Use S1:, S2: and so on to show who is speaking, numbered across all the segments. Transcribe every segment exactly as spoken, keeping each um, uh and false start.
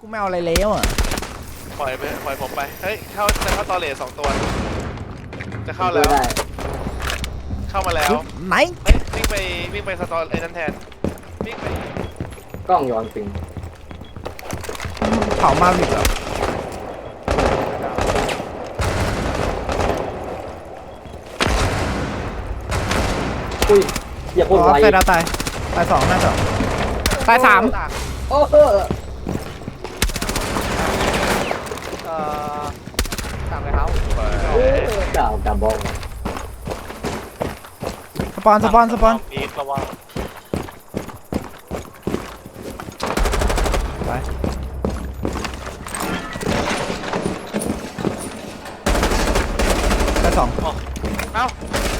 S1: กูไม่เอาอะไรแล้วอ่ะ
S2: ปล่อยไปปล่อยผมไปเฮ้ยเข้าจะเข้าตอเลสสองตัวจะเข้าแล้วเข้ามาแล้ว
S1: ไหน
S2: วิ่งไปวิ่งไปสตอไอ้นั่นแทนวิ่งไป
S3: กล้องย้อนปิง
S1: เผามาอีกเหรอ
S3: อุ้ยอย่าพูดไว
S1: ตายตายตายสองน่าจะตายสาม
S3: โอ้เออ
S2: เอ่อตามเลยเขา
S3: ดาวดาวบอล
S1: สปอนสปอนสปอน
S2: อีกระวัง
S1: ไปตายสอง
S2: เอ้า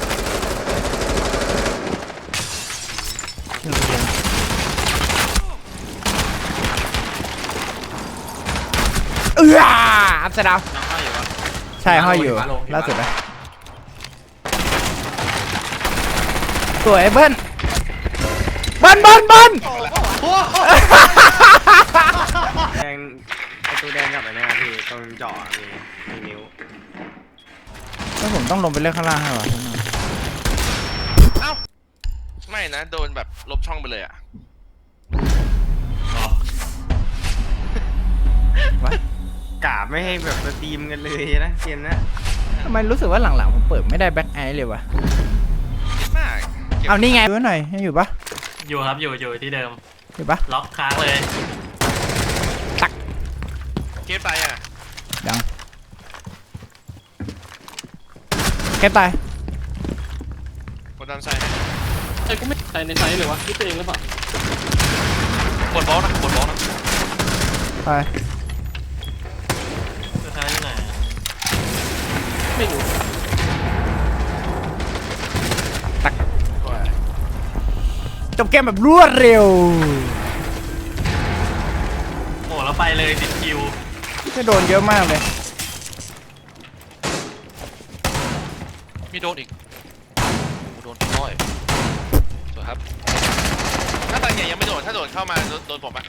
S1: เอื้ออัพเซดาวใช่ห้อยอยู่ล่าสุดนะสวยเบิ้ลเบิ้ลเบิ้ลเบิ้ล
S4: แดงไอตัวแดงกับไอ้นี่พี่ตรงเจาะมีมีนิ้ว
S1: แล้วผมต้องลงไปเล่นข้างล่างให้หรอ
S2: เอ้าไม่นะโดนแบบลบช่องไปเลยอ่ะ
S4: กาบไม่ให้แบบสตรีมกันเลยนะเกมนะ
S1: ทำไมรู้สึกว่าหลังๆผมเปิดไม่ได้แบ็คไอเลยวะ
S2: มาก
S1: เอานี่ไงดูหน่อยอยู่ปะ
S5: อยู่ครับอยู่อยู่ที่เดิม
S1: อยู่ปะ
S5: ล็อกค้างเลย
S1: ตัก
S2: เก็บตายอ่ะ
S1: ยังเก็บตาย
S2: กดดันใส่
S5: ไอ้กูไม่ใส่ในไซส์เลยวะคิดตัวเองหรือเปล่าก
S2: ดบอลนะกดบอลนะ
S1: ไป
S5: จะใช้ยังไงไม่รู้
S1: ตักจบเกมแบบรวดเร็ว
S5: โอ้แล้วไปเลยติดคิว
S1: ไม่โดนเยอะมากเลย
S2: มีโดนอีกโดนน้อยสวยครับถ้าตายใหญ่ยังไม่โดนถ้าโดนเข้ามาโดนผมอ่ะ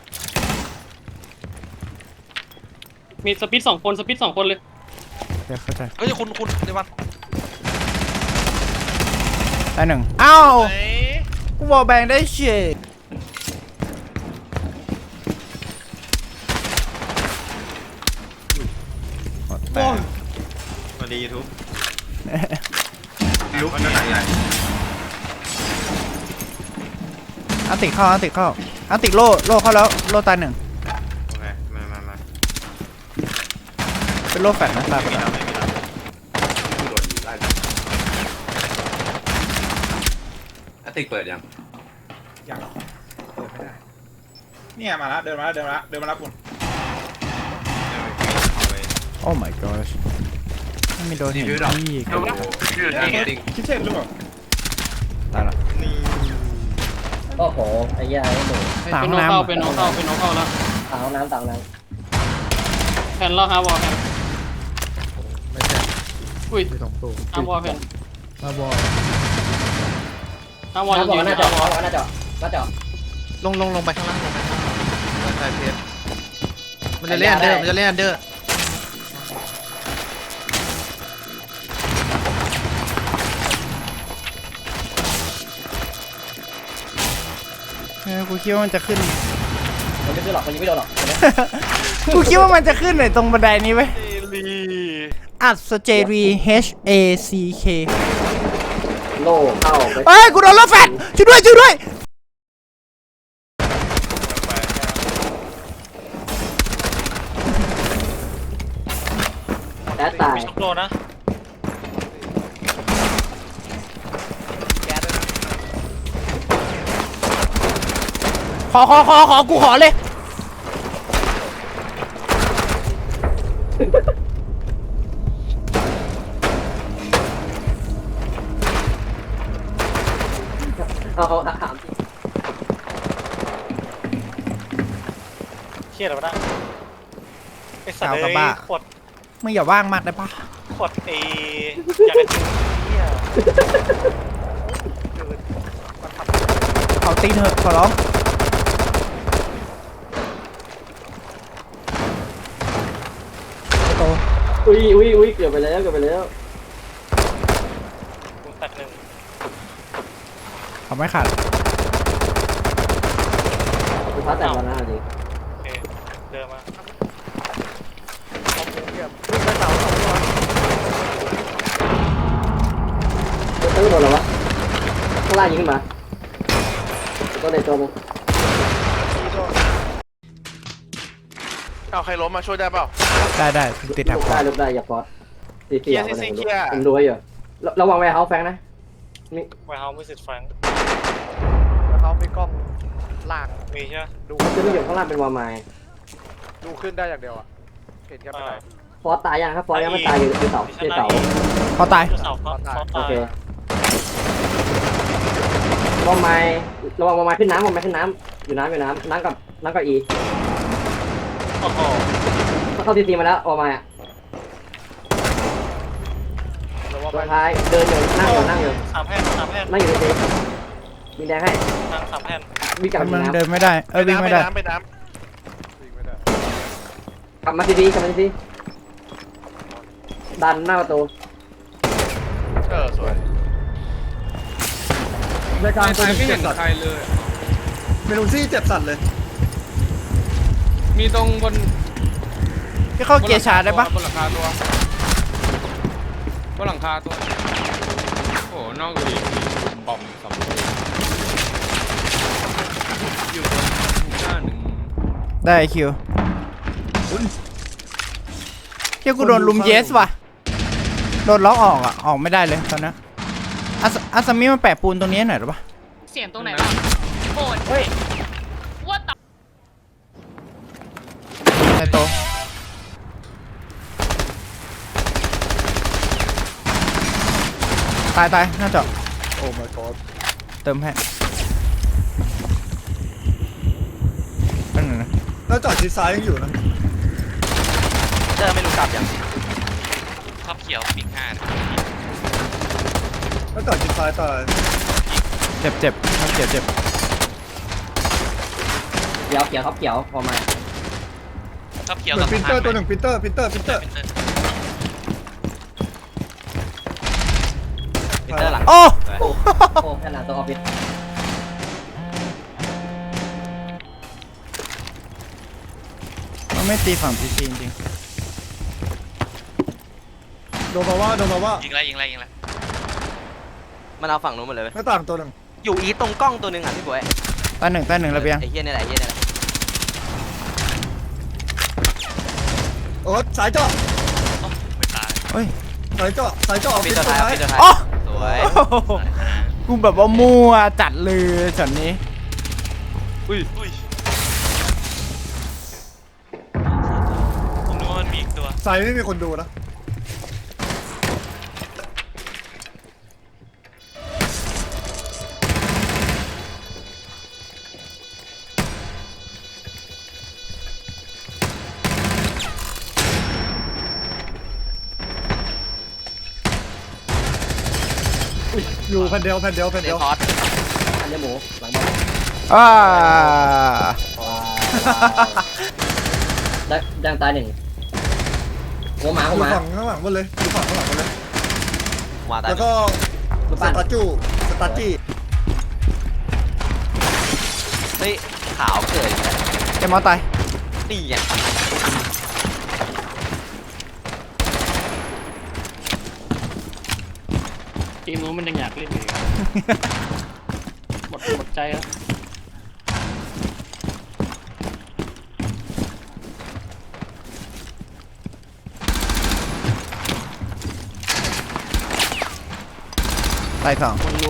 S5: มีสปิดสองคนสปิดสองคนเลย
S1: เดี๋ยวเข้าใจ
S2: เฮ้ยคุณคุณเดี๋ยวมัน
S1: ได้หนึ่งอ้าวกูบอกแบ่งได้เฉย
S4: สวัสดียูทูบลุกนี่ใหญ่
S1: อันติเข้าอันติเข้าอันติโล่โล่เข้าแล้วโล่ตายหนึ่ง
S4: โอเคมามามา
S1: เป็นโล่แฟตนะตายไปแล้ว
S4: อันติเปิดยัง
S6: ยังเปิดไม่ได้เนี่ยมาแล้วเดินมาแล้วเดินมาแล้วเดินมาแล้วคุณ
S1: โอ้ my gosh ไม่มีโดนเห็นที่
S6: คิดเช่นหรือเปล่า
S1: ตายละ
S3: โอ้โหไอ้ยาไอ้หนู
S5: เป็นน้องเข้าเป็นน้องเข้าเป็นน้องเข้าแล้ว
S3: ตาวน้ำตาวน้
S5: ำแผ่นแล้วฮะวอลแผ่นไม่ใช่อุ้ยฮะวอลแผ่น
S1: ฮะวอล
S5: ฮะวอลยืน
S3: หน้าจอหน้าจอหน้าจอ
S4: ลงลงลงไปข้างล่างลงไปข้างล่างใช่เพชรมันจะเล่นอันเดอร์มันจะเล่นอันเดอร์
S1: เออกูคิดว่ามันจะขึ้น
S3: มันไม่ขึ้นหรอกมันยังไม่โดนหรอก
S1: กูคิดว่ามันจะขึ้นหน่อยตรงบันไดนี้ไหมอัดสเจรี H A C K
S3: โล่เข้า
S1: เอ้ยกูโดนโล่แฟตช่วยด้วยช่วยด้วย
S3: แล้วตาย
S5: โดนนะ
S1: ขอขอขอขอกูขอเลย
S3: เอาเอาถาม
S5: เครียดหรือเปล่าไอ้สัตว์เลยขด
S1: มึงอย่าว่างมากได้ปะ
S5: ขดเออยากจะจิ้มเนี่ย
S1: เขาตีเถอะขอร้อง
S3: อุ้ยอุ้ยอุ้ยเกือบไปแล้วเกือบไปแล้ว
S5: กูตัดหนึ่ง
S1: เขาไม่ขาด
S3: กูท้าแต่วันหน้าดิ
S5: โอเคเดินมา
S3: เออโดนแล้ววะข้างล่างยิงขึ้นมาตัวเด็ดตัวมึง
S2: เอาใครล้มมาช่วยได้เปล่า
S1: ได้ได้ติดแถบ
S3: ลุก
S1: ก่อ
S3: ได้
S1: น
S3: ลุกได้อย่าฟอสสี่
S2: เค
S3: สี่
S2: ลียร์
S3: เอา
S2: ซี
S3: ไป
S2: ซี
S3: เลย
S2: เคลียร์
S3: ผมดูไว้อยู่ระวังไว้เฮาแฟงนะมี
S5: ไวเฮาส์ไม่สิทธิ์แฟรงค์
S7: แล้วเขามีกล้องลาก
S5: มีใช่ไหม
S7: ดู
S3: จะไม่อยู่ข้างล่างเป็นวอร์มาย
S7: ดูขึ้นได้อย่างเดียวอ่ะเห็นแค่ไม่ได้
S3: ฟอสตายยังครับฟอสยังไม่ตายอยู่ที่เสาที่เสา
S1: เขาตาย
S5: เสาเขาเสา
S3: โอ
S5: ตาย
S3: เควอร์มายระวังวอร์มายขึ้นน้ำวอร์มายขึ้นน้ำอยู่น้ำอยู่น้ำน้ำกับน้ำกับอี
S5: โอ้โห
S3: เข้าทีทีมาแล้ววอร์มายอ่ะ
S7: แล้วว่า
S3: ตัว
S7: มัน
S3: ท้ายเดินอยู่นั่งอยู่นั่งอยู่
S5: สามแผ่นสามแผ่น
S3: นั่งอยู่ทีทีมีแดงให้
S5: ทางสามแผ่น
S3: วิ่งกลับ
S1: มัน
S3: มา
S1: เดินไม่ได้เออวิ่ง
S2: ไป
S1: ไม่ได้
S2: น้ำไปน้
S7: วิ่งไม่ได้
S3: กลับมาทีทีกลับมาทีทีดันหน้าประตู
S2: ำเออสวย
S6: ในกลางตัวหนึ่ง
S8: ไม่
S6: เจ็
S8: เห็
S6: บ
S8: น
S6: สัตว์
S8: ใครเลย
S6: เมนูซี่เจ็บสัตว์เลย
S8: มีตรงบน
S1: พี่เข้าเกียร์ชาร์จได้ปะ
S8: บนหลังคาตัวบนหลังคาตัว โอ้โหนอกจากนี้มีบอมสำรวจอยู่บนหน้าหนึ่ง
S1: ได้คิวเฮียกูโดนลุมเยสว่ะโดนล็อกออกอ่ะออกไม่ได้เลยตอนนี้อาสอาซามิมาแปะปูนตรงนี้หน่อยหรอปะ
S9: เสียงตรงไหนบ้างโกรธว่าต่อ
S1: ในโตะตายตายน่าจะ
S6: โอ้ my god
S1: เติมให้เป็นไงนะ
S6: แล้วจอดชิดซ้ายยังอยู่นะ
S2: เจอไม่รู้กลับยังท็อปเขียวปิงห้า
S6: แล้วจอดชิดซ้ายตาย
S1: เจ็บเจ็บครับเจ็บเจ็บ
S3: เขียวเขียวครับเขียววอร์มาย
S2: ท็อปเขียว
S6: เหมือ
S2: กับ
S6: นปินเตอร์ตัวหนึ่งปินเตอร์ปินเตอร์ปินเตอร์
S2: ปินเตอร์หลัง
S1: โอ้
S3: โอ้โอ้แค่หลังตัวออฟฟิศ
S1: มันไม่ตีฝั่งพีซีจริง
S6: โดนมาว่าโดนมาว่า
S2: ยิงไรยิงไรยิงไร
S10: มันเอาฝั่งนู้นหมดเลยเว้ย
S6: หน้าต่างตัวหนึ่ง
S10: อยู่อีตรงกล้องตัวหนึ่งอ่ะพี่บวย
S1: ๆตาหนึ่งตาหนึ่งระเบียง
S10: ไอ้เหี้ยนี่แหละไอ้เหี้ยนี่แหละ
S6: โอ้สายเจาะ
S2: ไม่ตาย
S1: เฮ้ย
S6: สายเจาะสายเจาะออฟ
S10: ปิ
S6: ฟิ
S10: ด
S6: ศ
S10: ตัว
S6: ตัว
S10: ท้าย
S6: ท้าย
S10: ปิดตัวท้าย
S1: อ๋อ
S10: สวย
S1: กูแบบว่ามั่วจัดเลยช็อตนี้
S2: อุ้ยอุ้ยผมนึกว่ามันมีอีกตัว
S6: สายไม่มีคนดูนะ อยู่แผ่นเดียวแผ่นเดียวแผ่น
S10: เด
S6: เดียว
S10: พอส
S3: อันนี้หมูหลังบอล
S1: อ่า
S3: ว้าวได้ดังตายหนึ่งหัวหมา
S6: อ
S3: หัว
S6: ยู่
S3: หมา
S6: ฝั่งข้างหลังหมดเลยอยู่ฝั่งข้างหลังหมดเลย
S10: มาตาย
S6: แล้วก็
S3: ลูก
S6: ส
S3: ปั้น
S6: ตาจูสตาจี้
S10: เฮ้ยขาวเกิดอีกแล้ว
S1: เอ็มเอาตาย
S10: นี่ไง
S5: ทีมนู้นมันยังอยากเล่นอยู่อีกหมดหมดใจแล้ว
S1: ตายสอง
S5: คนรู้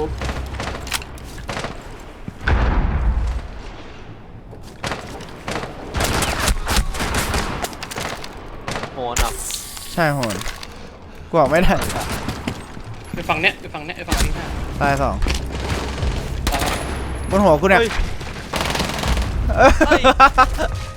S10: โหนอ่ะ
S1: ใช่โหนกูออกไม่ได้
S5: ไปฝั่งเนี้ยไปฝั่งเนี้ยไปฝั่งนี้ห้า
S1: ตายสอง
S5: ตายแล้ว
S1: บนหัวกูเนี่ย
S10: เฮ้ย
S1: เอ้ย